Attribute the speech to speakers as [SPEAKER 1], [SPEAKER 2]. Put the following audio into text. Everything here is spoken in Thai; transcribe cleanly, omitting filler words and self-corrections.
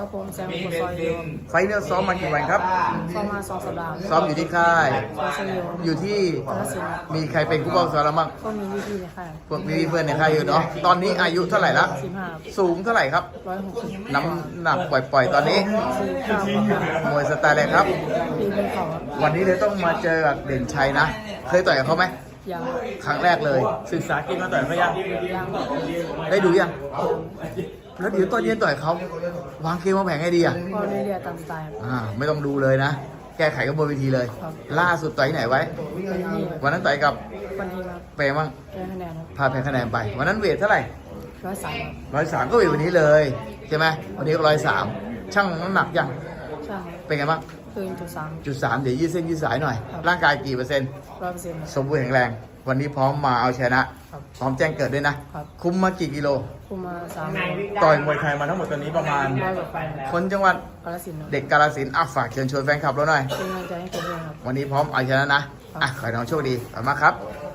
[SPEAKER 1] ครับผมแซมบุกซอยโยม
[SPEAKER 2] ไฟล์เนี่ยซ้อมมากี่วันครับ
[SPEAKER 1] เข้ามา2 สัปดาห์
[SPEAKER 2] ซ้อมอยู่ที่ค่าย
[SPEAKER 1] ซอยชโยม
[SPEAKER 2] อยู่ที่
[SPEAKER 1] กาฬสินธุ์
[SPEAKER 2] มีใครเป็นผู้ป้องซ้อมแล้วมั่ง
[SPEAKER 1] ก็มีวิธีในค่าย
[SPEAKER 2] พวกพี่เพื่อนในค่ายอยู่เนาะตอนนี้อายุเท่าไหร่ละ
[SPEAKER 1] 15
[SPEAKER 2] สูงเท่าไหร่ครับ
[SPEAKER 1] 160
[SPEAKER 2] น้ำหนักปล่อยๆตอนนี้
[SPEAKER 1] 49
[SPEAKER 2] มวยสไตล์อะไรครับ
[SPEAKER 1] ปีเป็นเขา
[SPEAKER 2] วันนี้เลยต้องมาเจอกับเด่นชัยนะ เคยต่อยกับเขาไหม
[SPEAKER 1] ยัง
[SPEAKER 2] ครั้งแรกเลย ศึกษาเกมมาต่อยเขายัง
[SPEAKER 1] ยัง
[SPEAKER 2] ได้ดูยัง แล้วเดี๋ยวตอนเย็นต่อยเขาวางเกมวางแผนให้ดีอ่ะ
[SPEAKER 1] ก็เรื่อยๆตามสไตล์
[SPEAKER 2] ไม่ต้องดูเลยนะ แก้ไขกันบนเวทีเลย
[SPEAKER 1] ครับ
[SPEAKER 2] ล่าสุดต่อยที่ไหนไว้
[SPEAKER 1] เป็นนี่
[SPEAKER 2] วันนั้นต่อยกับ
[SPEAKER 1] วันนี้ครับ
[SPEAKER 2] เปรมั่ง
[SPEAKER 1] ได้คะแนนครับ
[SPEAKER 2] พาแพ้คะแนนไป วันนั้นเวทเท่าไหร่
[SPEAKER 1] 103
[SPEAKER 2] 103ก็เวทวันนี้เลยใช่ไหมวันนี้ก็103ช่างน้ำหนักยัง
[SPEAKER 1] ช่าง
[SPEAKER 2] เป็นไงบ้าง
[SPEAKER 1] คืน3
[SPEAKER 2] จุด3เดี๋ยวยืดเส้นยืดสายหน่อย
[SPEAKER 1] ครับ
[SPEAKER 2] ร่างกายกี่เปอร์เซ็นต์
[SPEAKER 1] 100%
[SPEAKER 2] สมบูรณ์แข็งแรง วันนี้พร้อมมาเอาชนะ
[SPEAKER 1] ครับ
[SPEAKER 2] พร้อมแจ้งเกิดด้วยนะ
[SPEAKER 1] ครับ
[SPEAKER 2] คุมมากี่กิโล
[SPEAKER 1] คุมมา3 โล
[SPEAKER 2] ต่อยมวยไทยมาทั้งหมดตอนนี้ประมาณ
[SPEAKER 1] 100 กว่าไฟล์
[SPEAKER 2] คนจังหวัด
[SPEAKER 1] กาฬสินธุ์ครับ
[SPEAKER 2] เด็กกาฬสินธุ์ฝากเชิญชวนแฟนคลับเราหน่อย
[SPEAKER 1] เป็นกำลังใจให้ผมด้วยครับ
[SPEAKER 2] วันนี้พร้อมเอาชนะนะ ขอให้น้องโชคดีขอบคุณมากครับ